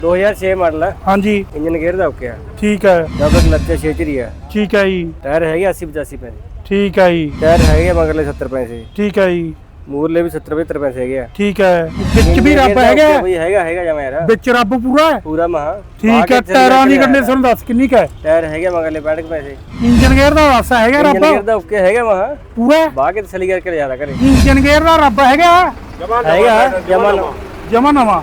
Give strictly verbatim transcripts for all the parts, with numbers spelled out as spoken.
दो हज़ार छह मॉडल है। हाँ जी। इंजन गेयर दा ओके है। ठीक है। डबल क्लच है, छे चरी है। ठीक है जी। टायर है अस्सी पचासी पैसे। ठीक है जी। टायर है मगरले सत्तर पैसे। ठीक है जी। मूरले भी सत्तर पचहत्तर पैसे है। ठीक है। विच भी रब हैगा भाई हैगा हैगा जमा यार। विच रब पूरा है पूरा महा। ठीक है। टायरां दी कंडीशन दस किन्नी का है? टायर है मगरले पैंठ पैसे। इंजन गेयर दा वासा हैगा रब? इंजन गेयर दा ओके हैगा महा पूरा बाकी तसली करके ज्यादा करे। इंजन गेयर दा रब हैगा? हैगा जमा ਜਮਾ ਨਵਾਂ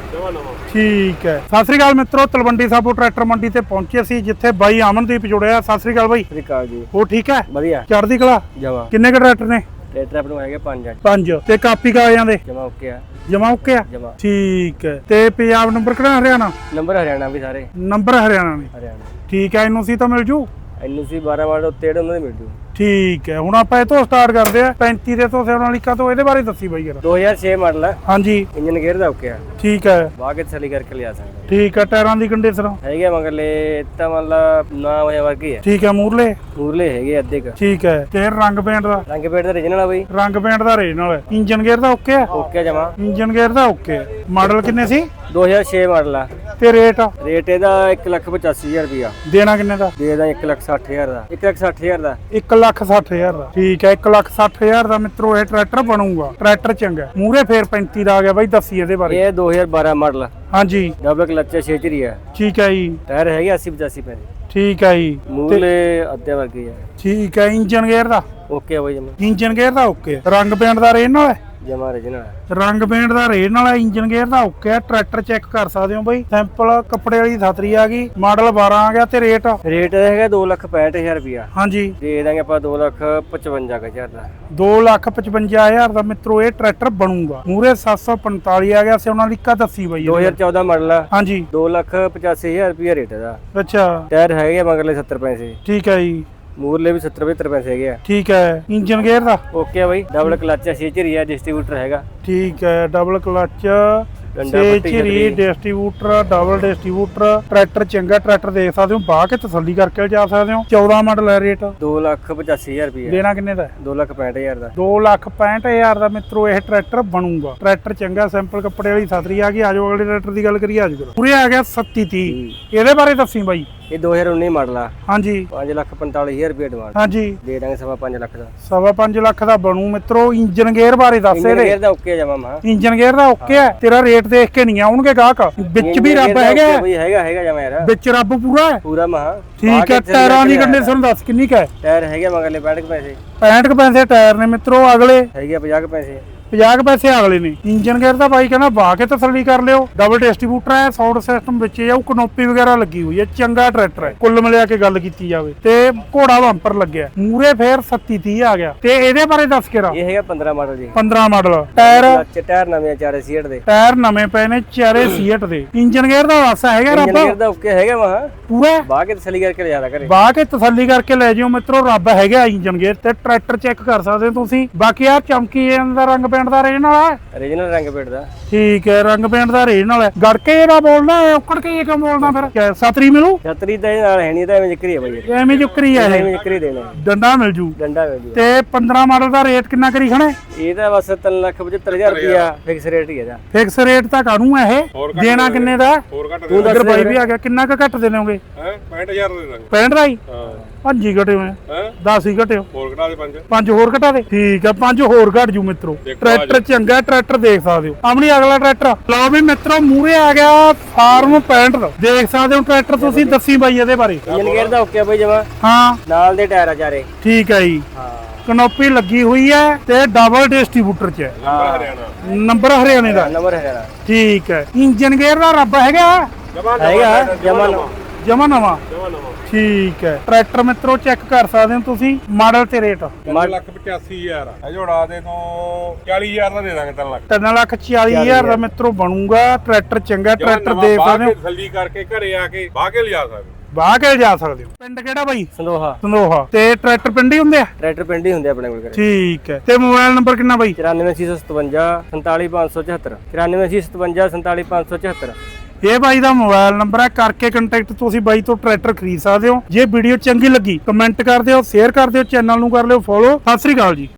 ਠੀਕ ਹੈ। ਸਤਿ ਸ੍ਰੀ ਅਕਾਲ ਮਿੱਤਰੋ, ਤਲਵੰਡੀ ਸਾਬੋ ਟਰੈਕਟਰ ਮੰਡੀ ਤੇ ਪਹੁੰਚੇ ਸੀ ਜਿੱਥੇ ਬਾਈ ਅਮਨਦੀਪ ਜੁੜਿਆ। ਸਤਿ ਸ੍ਰੀ ਅਕਾਲ ਬਾਈ। ਸਤਿ ਸ੍ਰੀ ਅਕਾਲ ਜੀ। ਉਹ ਠੀਕ ਹੈ? ਵਧੀਆ ਚੜ੍ਹਦੀ ਕਲਾ ਜਮਾ। ਕਿੰਨੇ ਕੁ ਟਰੈਕਟਰ ਨੇ? ਟਰੈਕਟਰ ਆਪਣੇ ਹੈਗੇ ਪੰਜ। ਪੰਜ ਤੇ ਕਾਪੀ ਕਾਗਜ਼ਾਂ ਦੇ ਜਮਾ ਓਕੇ ਆ। ਜਮਾ ਓਕੇ ਆ ਜਮਾ ਠੀਕ ਹੈ। ਤੇ ਪੰਜਾਬ ਨੰਬਰ ਕਿਹੜਾ? ਹਰਿਆਣਾ ਨੰਬਰ ਹਰਿਆਣਾ ਵੀ ਸਾਰੇ ਨੰਬਰ ਹਰਿਆਣਾ ਨੇ। ਹਰਿਆਣਾ ਠੀਕ ਹੈ। ਇਹਨੂੰ ਸੀ ਤਾਂ ਮਿਲ ਜੂ ਐਨ ਸੀ ਬਾਰਾਂ ਮਾਡਲ ਉੱਤੇ ਉਹਨਾਂ ਦੇ ਮਿਲ ਜੂ। ਠੀਕ ਹੈ। ਹੁਣ ਆਪਾਂ ਇਹ ਤੋਂ ਸਟਾਰਟ ਕਰਦੇ ਆ ਪੈਂਤੀ ਦੇ ਤੋਂ ਸੋਨਾਲੀਕਾ ਤੋਂ। ਇਹਦੇ ਬਾਰੇ ਦੱਸੀ ਬਾਈ ਯਾਰ। दो हज़ार छह ਮਾਡਲ ਹੈ। ਹਾਂਜੀ। ਇੰਜਨ ਗੇਅਰ ਦਾ ਓਕੇ ਆ। ਠੀਕ ਹੈ। ਬਾਕੀ ਤਸਲੀ ਕਰਕੇ ਲਿਆ ਸਕਦੇ। ਠੀਕ ਹੈ। ਟਾਇਰਾਂ ਦੀ ਕੰਡੀਸ਼ਨ ਹੈਗੇ ਮਗਰਲੇ ਤਾਂ ਮਤਲਬ ਨਾ ਹੋਇਆ ਵਰਗੀ ਹੈ। ਠੀਕ ਹੈ। ਮੂਰਲੇ ਮੂਰਲੇ ਹੈਗੇ ਅੱਧੇ ਕ। ਠੀਕ ਹੈ। ਤੇ ਰੰਗ ਪੇਂਟ ਦਾ ਰੰਗ ਪੇਂਟ ਦਾ ਰੀਜਨਲ ਆ ਬਈ। ਰੰਗ ਪੇਂਟ ਦਾ ਰੀਜਨਲ ਹੈ। ਇੰਜਨ ਗੇਅਰ ਦਾ ਓਕੇ ਆ? ਓਕੇ ਜਮਾ। ਇੰਜਨ ਗੇਅਰ ਦਾ ਓਕੇ। ਮਾਡਲ ਕਿੰਨੇ ਸੀ? दो हज़ार छह ਮਾਡਲ ਆ। ਤੇ ਰੇਟ? ਰੇਟ ਇਹਦਾ ਇੱਕ ਲੱਖ ਪਚਾਸੀ ਹਜ਼ਾਰ ਰੁਪਿਆ। ਦੇਣਾ ਕਿੰਨੇ ਦਾ? ਦੇ ਦਾਂ ਇੱਕ ਲੱਖ ਸੱਠ ਹਜ਼ਾਰ ਦਾ। ਇੱਕ ਲੱਖ ਸੱਠ ਹਜ਼ਾਰ ਦਾ। ਇੱਕ ਲੱਖ ਸੱਠ ਹਜ਼ਾਰ ਦਾ। ਠੀਕ ਹੈ। ਇੱਕ ਲੱਖ ਸੱਠ ਹਜ਼ਾਰ ਦਾ ਮਿੱਤਰੋ ਇਹ ਟਰੈਕਟਰ ਬਣੂਗਾ। ਟਰੈਕਟਰ ਚੰਗਾ। ਮੂਰੇ ਫੇਰ ਪੈਂਤੀ ਦਾ ਆ ਗਿਆ ਬਾਈ। ਦੱਸੀ ਇਹਦੇ ਬਾਰੇ। ਇਹ ਦੋ ਹਜ਼ਾਰ ਬਾਰਾਂ ਮਾਡਲ ਆ। ਹਾਂਜੀ। ਡਬਲ ਕਲਚ ਹੈ, ਛੇ ਚਰੀ ਹੈ। ਠੀਕ ਹੈ ਜੀ। ਟਾਇਰ ਹੈਗੇ अस्सी पचासी ਪੈਸੇ। ਠੀਕ ਹੈ ਜੀ। ਮੂਰਲੇ ਅੱਧੇ ਵਰਗੇ ਆ। ਠੀਕ ਹੈ। ਇੰਜਨ ਗੇਅਰ ਦਾ ਓਕੇ ਆ ਬਾਈ ਜਮਾ। ਇੰਜਨ ਗੇਅਰ ਦਾ ਓਕੇ। ਰੰਗ ਪੇਂਟ ਦਾ ਰੇਟ ਨਾਲ ਹੈ? ਜਮਾ ਰੀਜਨਲ ਹੈ। ਰੰਗ ਪੇਂਟ ਦਾ ਰੇਟ ਨਾਲ ਹੈ। ਇੰਜਨ ਗੇਅਰ ਦਾ ਓਕੇ ਹੈ। ਟਰੈਕਟਰ ਚੈੱਕ ਕਰ ਸਕਦੇ ਹੋ ਬਾਈ। ਸੈਂਪਲ ਕੱਪੜੇ ਵਾਲੀ ਛਤਰੀ ਆ ਗਈ। ਮਾਡਲ ਬਾਰਾਂ ਆ ਗਿਆ। ਤੇ ਰੇਟ? ਰੇਟ ਹੈਗਾ ਦੋ ਲੱਖ ਪੈਂਹਠ ਹਜ਼ਾਰ ਰੁਪਿਆ। ਹਾਂਜੀ। ਦੇ ਦਾਂਗੇ ਆਪਾਂ ਦੋ ਲੱਖ ਪਚਵੰਜਾ ਹਜ਼ਾਰ ਦਾ। ਦੋ ਲੱਖ ਪਚਵੰਜਾ ਹਜ਼ਾਰ ਦਾ ਮਿੱਤਰੋ ਇਹ ਟਰੈਕਟਰ ਬਣੂਗਾ। ਮੂਰੇ ਸੱਤ ਸੌ ਪੰਤਾਲੀ ਆ ਗਿਆ। ਸੋਨਾਲੀਕਾ ਦੱਸੀ ਬਾਈ। ਦੋ ਹਜ਼ਾਰ ਚੌਦਾਂ ਮਾਡਲ ਆ। ਹਾਂਜੀ। ਦੋ ਲੱਖ ਪਚਾਸੀ ਹਜ਼ਾਰ ਰੁਪਿਆ ਰੇਟ ਇਹਦਾ। ਅੱਛਾ। ਟਾਇਰ ਹੈਗੇ ਮਗਰਲੇ ਸੱਤਰ ਪੈਸੇ। ਠੀਕ ਹੈ ਜੀ। ਮੂਰਲੇ ਵੀ ਸੱਤਰ ਪਚਹੱਤਰ ਪੈਸੇ ਹੈਗੇ ਆ। ਠੀਕ ਹੈ। ਇੰਜਨ ਗੇਅਰ ਦਾ ਓਕੇ ਆ ਬਾਈ। ਡਬਲ ਕਲਚ ਹੈ, ਛੇ ਚਰੀ ਹੈ, ਡਿਸਟ੍ਰੀਬਿਊਟਰ ਹੈਗਾ। ਠੀਕ ਹੈ। ਡਬਲ ਕਲਚ, ਡੰਡਾ ਛੇ ਪੱਟੀ ਚਰੀ, ਛਤਰੀ। Distributor, double distributor. ਟਰੈਕਟਰ ਚੰਗਾ। ਟਰੈਕਟਰ ਦੇਖ ਸਕਦੇ ਹੋ, ਬਾਹ ਕੇ ਤਸੱਲੀ ਕਰਕੇ ਜਾ ਸਕਦੇ ਹੋ। ਚੌਦਾਂ ਮਾਡਲ ਹੈ। ਰੇਟ? ਦੋ ਲੱਖ ਪਚਾਸੀ ਹਜ਼ਾਰ ਰੁਪਿਆ। ਦੇਣਾ ਕਿੰਨੇ ਦਾ? ਦੋ ਲੱਖ ਪੈਂਹਠ ਹਜ਼ਾਰ ਦਾ। ਦੋ ਲੱਖ ਪੈਂਹਠ ਹਜ਼ਾਰ ਦਾ ਮਿੱਤਰੋ ਇਹ ਟਰੈਕਟਰ ਬਣੂਗਾ। ਟਰੈਕਟਰ ਚੰਗਾ। ਸਿੰਪਲ ਕੱਪੜੇ ਵਾਲੀ ਛਤਰੀ ਆ ਗਈ। ਆਜੋ ਅਗਲੇ ਟਰੈਕਟਰ ਦੀ ਗੱਲ ਕਰੀਏ। ਆਜੋ ਪੂਰੇ ਆ ਗਿਆ ਸੱਤੀ ਤੀਹ। ਇਹਦੇ ਬਾਰੇ ਦੱਸੀ ਬਾਈ। ਇਹ ਦੋ ਹਜ਼ਾਰ ਉੱਨੀ ਮਾਡਲ ਆ। ਹਾਂਜੀ। ਪੰਜ ਲੱਖ ਪੰਤਾਲੀ ਹਜ਼ਾਰ ਰੁਪਏ ਡਿਮਾਂਡ। ਹਾਂਜੀ। ਦੇ ਦਾਂਗੇ ਸਵਾ ਪੰਜ ਲੱਖ ਦਾ। ਸਵਾ ਪੰਜ ਲੱਖ ਦਾ ਬਣੂ ਮਿੱਤਰੋ। ਇੰਜਨ ਗੇਅਰ ਬਾਰੇ ਦੱਸ ਇੰਜਨ ਇਹਦੇ। ਗੇਅਰ ਦਾ ਓਕੇ ਜਮਾ ਮਾ। ਇੰਜਨ ਗੇਅਰ ਦਾ ਓਕੇ ਹੈ। ਤੇਰਾ ਰੇਟ ਦੇਖ ਕੇ ਨਹੀਂ ਆਉਣਗੇ ਗਾਹਕ। ਵਿੱਚ ਵੀ ਰੱਬ ਹੈਗਾ? ਬਈ ਹੈਗਾ ਹੈਗਾ ਜਮਾ ਯਾਰ। ਵਿੱਚ ਰੱਬ ਪੂਰਾ ਹੈ? ਪੂਰਾ ਮਹਾ। ਠੀਕ ਹੈ। ਟਾਇਰਾਂ ਦੀ ਕੰਡੀਸ਼ਨ ਦੱਸ ਕਿੰਨੀ ਕਾ ਹੈ? ਟਾਇਰ ਹੈਗੇ ਮਗਰਲੇ ਪੈਂਹਠ ਪੈਸੇ। ਪੈਂਹਠ ਪੈਸੇ ਟਾਇਰ ਨੇ ਮਿੱਤਰੋ। ਅਗਲੇ ਹੈਗੇ ਪੰਜਾਹ ਪੈਸੇ। ਪੰਜਾਹ ਪੈਸੇ ਅਗਲੇ ਨੇ। ਇੰਜਨ ਗੇਅਰ ਦਾ ਬਾਈ ਕਹਿੰਦਾ ਬਾਹ ਕੇ ਤਸੱਲੀ ਕਰ ਲਿਓ। ਡਬਲ ਡਿਸਟ੍ਰੀਬਿਊਟਰ ਹੈ। ਸਾਊਂਡ ਸਿਸਟਮ ਵਿੱਚ ਜਾਊ। ਕਨੋਪੀ ਵਗੈਰਾ ਲੱਗੀ ਹੋਈ ਹੈ। ਚੰਗਾ ਟਰੈਕਟਰ ਹੈ ਕੁੱਲ ਮਿਲਿਆ ਕੇ ਗੱਲ ਕੀਤੀ ਜਾਵੇ। ਤੇ ਘੋੜਾ ਬੰਪਰ ਲੱਗਿਆ। ਮੂਰੇ ਫੇਰ ਸੱਤੀ ਤੀਹ ਆ ਗਿਆ। ਤੇ ਇਹਦੇ ਬਾਰੇ ਦੱਸ ਕੇ ਰਾ। ਇਹ ਹੈਗਾ ਪੰਦਰਾਂ ਮਾਡਲ ਜੀ। ਪੰਦਰਾਂ ਮਾਡਲ। ਟਾਇਰ? ਟਾਇਰ ਨਵੇਂ ਚਾਰੇ ਸੀਟ ਦੇ। ਟਾਇਰ ਨਵੇਂ ਪਏ ਨੇ ਚਾਰੇ ਸੀਟ ਦੇ। ਇੰਜਨ ਗੇਅਰ ਦਾ ਵਾਸਾ ਹੈਗਾ ਰੱਬ? ਇੰਜਨ ਗੇਅਰ ਦਾ ਓਕੇ ਹੈਗਾ ਮਹਾ ਪੂਰਾ। ਬਾਹ ਕੇ ਤਸੱਲੀ ਕਰਕੇ ਲਿਆਦਾ ਕਰੇ। ਬਾਹ ਕੇ ਤਸੱਲੀ ਕਰਕੇ ਲੈ ਜਿਓ ਮਿੱਤਰੋ। ਰੱਬ ਹੈਗਾ ਇੰਜਨ ਗੇਅਰ। ਤੇ ਟਰੈਕਟਰ ਚੈੱਕ ਕਰ ਸਕਦੇ ਹੋ ਤੁਸੀਂ। ਬਾਕੀ ਆ ਚਮਕੀ ਦਾ ਰੰਗ ਪੇਂਟ ਦਾ ਰੇਜ ਨਾਲ ਹੈ। ਰੀਜਨਲ ਰੰਗ ਪੇਂਟ ਦਾ। ਠੀਕ ਹੈ। ਰੰਗ ਪੇਂਟ ਦਾ ਰੇਜ ਨਾਲ ਹੈ। ਗੜਕੇ ਇਹਦਾ ਬੋਲਦਾ ਔਕੜ ਕੇ ਕਿਉਂ ਬੋਲਦਾ ਫਿਰ? ਛਤਰੀ ਮਿਲੂ? ਛਤਰੀ ਤਾਂ ਇਹ ਨਾਲ ਹੈ ਨਹੀਂ ਤਾਂ ਐਵੇਂ ਜ਼ਿਕਰੀ ਹੈ ਬਾਈ। ਐਵੇਂ ਜੁਕਰੀ ਹੈ ਇਹ। ਐਵੇਂ ਜ਼ਿਕਰੀ ਦੇਣਾ। ਡੰਡਾ ਮਿਲ ਜੂ। ਡੰਡਾ ਮਿਲ ਜੂ। ਤੇ ਪੰਦਰਾਂ ਮਾਡਲ ਦਾ ਰੇਟ ਕਿੰਨਾ ਕਰੀ ਖਣੇ? ਇਹ ਤਾਂ ਬਸ ਤਿੰਨ ਲੱਖ ਪਚੱਤਰ ਹਜ਼ਾਰ ਰੁਪਿਆ ਫਿਕਸ ਰੇਟ ਹੀ ਇਹਦਾ। ਫਿਕਸ ਰੇਟ ਤਾਂ ਕਾਹਨੂੰ ਹੈ ਇਹ? ਦੇਣਾ ਕਿੰਨੇ ਦਾ? ਹੋਰ ਘੱਟ ਤੂੰ ਦੱਸ ਬਾਈ ਵੀ ਆ ਗਿਆ। ਕਿੰਨਾ ਕੁ ਘੱਟ ਦੇ ਦੇਵੋਗੇ? ਹੈ ਪੈਂਹਠ ਹਜ਼ਾਰ ਦੇ ਦਾਂਗੇ। ਪੈਂਹਠ ਦਾ ਹੀ? ਹਾਂ। ਪੰਜ ਹੀ ਘਟੇ ਹੋਏ। ਹੈ ਦਸ ਹੀ ਘਟਿਓ। ਹੋਰ ਘਟਾ ਦੇ ਪੰਜ। ਪੰਜ ਹੋਰ ਘਟਾ ਦੇ। ਠੀਕ ਆ। ਪੰਜ ਹੋਰ ਘਟ ਜੂ ਮਿੱਤਰੋ। ਟਰੈਕਟਰ ਚੰਗਾ। ਟਰੈਕਟਰ ਦੇਖ ਸਕਦੇ ਹੋ। ਆਪਣੀ ਅਗਲਾ ਟਰੈਕਟਰ ਲਓ ਵੀ ਮਿੱਤਰੋ। ਮੂਰੇ ਆ ਗਿਆ ਫਾਰਮ ਪੈਂਹਠ ਦਾ। ਦੇਖ ਸਕਦੇ ਹੋ ਟਰੈਕਟਰ ਤੁਸੀਂ। ਦੱਸੀ ਬਾਈ ਇਹਦੇ ਬਾਰੇ। ਇੰਜਨ ਗੇਅਰ ਦਾ ਓਕੇ ਬਾਈ ਜਮਾ। ਹਾਂ। ਨਾਲ ਦੇ ਟਾਇਰ ਆ ਚਾਰੇ। ਠੀਕ ਹੈ ਜੀ। ਹਾਂ। ਕਨੋਪੀ ਲੱਗੀ ਹੋਈ ਹੈ ਤੇ ਡਬਲ ਡਿਸਟ੍ਰੀਬਿਊਟਰ ਚ ਹੈ। ਹਾਂ। ਹਰਿਆਣਾ ਨੰਬਰ ਹਰਿਆਣੇ ਦਾ। ਨੰਬਰ ਹੈਗਾ। ਠੀਕ ਹੈ। ਇੰਜਨ ਗੇਅਰ ਦਾ ਰੱਬ ਹੈਗਾ? ਹੈਗਾ ਜਮਾ ਜਮਾ ਨਵਾਂ। ਜਮਾ ਨਵਾਂ। ਠੀਕ ਹੈ। ਟਰੈਕਟਰ ਮਿੱਤਰੋ ਚੈੱਕ ਕਰ ਸਕਦੇ ਹੋ ਤੁਸੀਂ। ਮਾਡਲ ਤੇ ਰੇਟ? ਤਿੰਨ ਲੱਖ ਪਚਾਸੀ ਹਜ਼ਾਰ ਆ। ਜੋੜਾ ਦੇ ਤੋਂ ਚਾਲੀ ਹਜ਼ਾਰ ਦਾ ਦੇ ਦਾਂਗੇ। ਤਿੰਨ ਲੱਖ ਤਿੰਨ ਲੱਖ ਚਾਲੀ ਹਜ਼ਾਰ ਦਾ ਮਿੱਤਰੋ ਬਣੂਗਾ। ਟਰੈਕਟਰ ਚੰਗਾ। ਟਰੈਕਟਰ ਦੇਖ ਸਕਦੇ ਹੋ। ਤਸੱਲੀ ਕਰਕੇ ਘਰੇ ਆ ਕੇ ਬਾਹ ਕੇ ਲਿਜਾ ਸਕਦੇ। ਬਾਹ ਕੇ ਜਾ ਸਕਦੇ ਹੋ। ਪਿੰਡ ਕਿਹੜਾ ਬਾਈ? ਸੰਦੋਹਾ। ਸੰਦੋਹਾ। ਤੇ ਟਰੈਕਟਰ ਪਿੰਡ ਹੀ ਹੁੰਦੇ ਆ? ਟਰੈਕਟਰ ਪਿੰਡ ਹੀ ਹੁੰਦੇ ਆਪਣੇ ਕੋਲ। ਠੀਕ ਹੈ। ਤੇ ਮੋਬਾਈਲ ਨੰਬਰ ਕਿੰਨਾ ਬਾਈ? ਚੁਰਾਨਵੇਂ ਛੇ ਸੌ ਸਤਵੰਜਾ ਸੰਤਾਲੀ ਪੰਜ ਸੌ ਚੁਹੱਤਰ। ਚੁਰਾਨਵੇਂ ਛੇ ਸੌ ਸਤਵੰਜਾ ਸੰਤਾਲੀ ਪੰਜ ਸੌ ਚੁਹੱਤਰ। ਇਹ ਬਾਈ ਦਾ ਮੋਬਾਈਲ ਨੰਬਰ ਹੈ। ਕਰਕੇ ਕੰਟੈਕਟ ਤੁਸੀਂ ਬਾਈ ਤੋਂ ਟਰੈਕਟਰ ਖਰੀਦ ਸਕਦੇ ਹੋ। ਜੇ ਵੀਡੀਓ ਚੰਗੀ ਲੱਗੀ ਕਮੈਂਟ ਕਰ ਦਿਓ, ਸ਼ੇਅਰ ਕਰ ਦਿਓ, ਚੈਨਲ ਨੂੰ ਕਰ ਲਿਓ ਫੋਲੋ। ਸਤਿ ਸ੍ਰੀ ਅਕਾਲ ਜੀ।